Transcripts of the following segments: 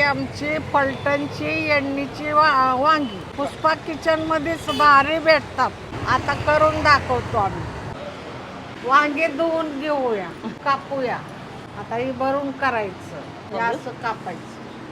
आमची फलटणची एण्णीची वांगी पुष्पा किचन मध्येच भारी भेटतात. आता करून दाखवतो आम्ही. वांगे धुवून घेऊया, कापूया. आता ही भरून करायचं, हे असं कापायचं.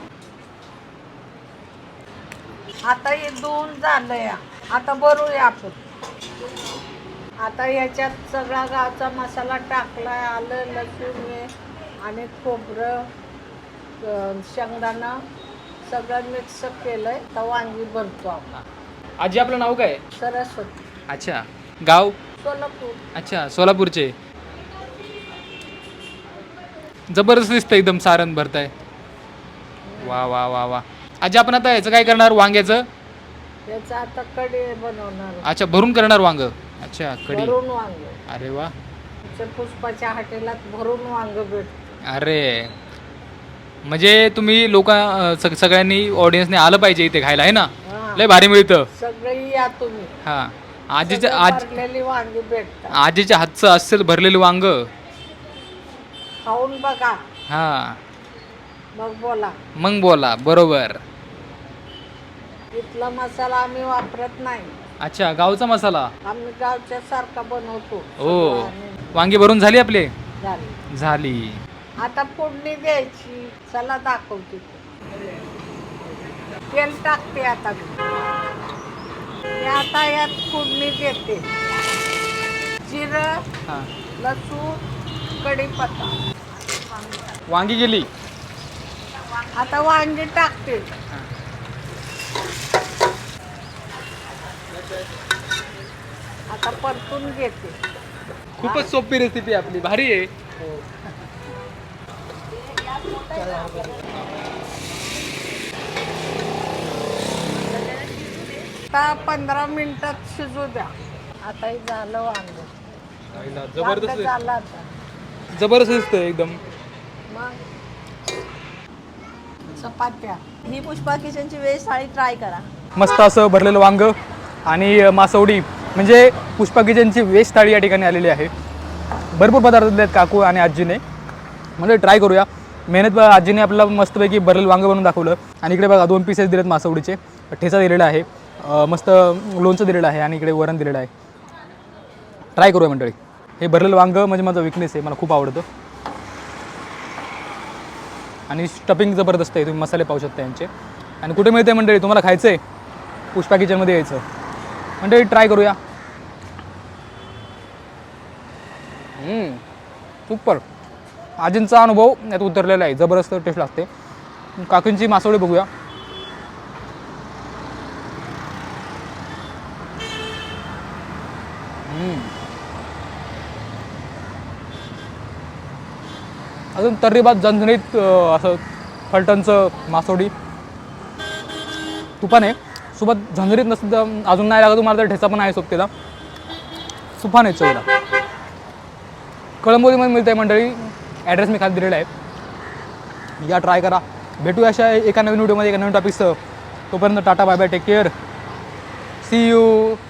आता हे धुवून झालंय, आता भरूया आपण. आता याच्यात सगळा गावचा मसाला टाकलाय, आलं लसूण हे आणि खोबरं शेंगदाणा सगळं मिक्स केलंय. तर वांगी भरतो आपण. आजी आपलं नाव काय? सरस्वती. अच्छा, गाव? सोलापूर. अच्छा, सोलापूरचे. जबरदस्त दिसतं एकदम सारण भरताय. वा वा वा वा. आजी आपण आता याचं काय करणार वांग्याचं? याचं आता कढी बनवणार. अच्छा, भरून करणार वांग. अच्छा, कढी. भरून वांग. अरे वा. पुष्पाच्या हॉटेलात भरून वांग भेटतं. अरे म्हणजे तुम्ही लोक सगळ्यांनी ऑडियन्सने आलं पाहिजे इथे खायला, आहे ना? लय भारी मिळतं. सगळी या तुम्ही. हा, भरलेली वांगी भेटतात. आजीच्या हातचं असेल भरलेलं वांग. खाऊन बघा. हा, मग बोला. बरोबर. इथला मसाला आम्ही वापरत नाही. अच्छा, गावचा मसाला आम्ही गावच्या सारखा बनवतो. हो. वांगी भरून झाली आपली? झाली. आता फोडणी द्यायची. चला दाखवते. तेल टाकते आता मी. आता यात फोडणी देते. जिरं, लसूण, कढीपत्ता. वांगी गेली. आता वांगी टाकते. आता परतून घेते. खूपच सोपी रेसिपी आपली, भारी आहे. आता 15 मिनिटात शिजू द्या. आता हे झालं वांग. जबरदस्त झालं आता. जबरदस्त दिसतं एकदम. मग चपात्या. ही पुष्पा किचनची व्हेज थाळी ट्राय करा. मस्त असं भरलेलं वांग आणि मासवडी म्हणजे पुष्पा किचनची व्हेज थाळी या ठिकाणी आलेली आहे. भरपूर पदार्थ दिले आहेत काकू आणि आजीने. म्हणजे ट्राय करूया. मेहनत आजीने आपल्याला मस्तपैकी भरलेलं वांग बनवून दाखवलं. आणि इकडे बघा 2 पीसेस दिलेत मासवडीचे. ठेचा दिलेला आहे, मस्त लोणचं दिलेलं आहे आणि इकडे वरण दिलेलं आहे. ट्राय करूया मंडळी. हे भरलेलं वांग म्हणजे माझा विकनेस आहे, मला खूप आवडतं. आणि स्टफिंग जबरदस्त आहे, तुम्ही मसाले पाहू शकता यांचे. आणि कुठे मिळते मंडळी? तुम्हाला खायचं आहे पुष्पा किचनमध्ये यायचं मंडळी. ट्राय करूया. सुपर. आजींचा अनुभव यात उतरलेला आहे, जबरदस्त टेस्ट लागते. काकींची मासवडी बघूया. अजून तर्रीबात झणझणीत असं फलटणचं मासवडी तुपाने सोबत झणझणीत नसतं अजून नाही लागत तुम्हाला तर ठेचा पण आहे सोबतीला. तुफान आहे चवीला. कळंबोलीमध्ये मिळते मंडळी. ॲड्रेस मी खाली दिलेला आहे, या ट्राय करा. भेटूया अशा एका नवीन व्हिडिओमध्ये एका नवीन टॉपिकसह. तोपर्यंत tata bye bye, take care, see you.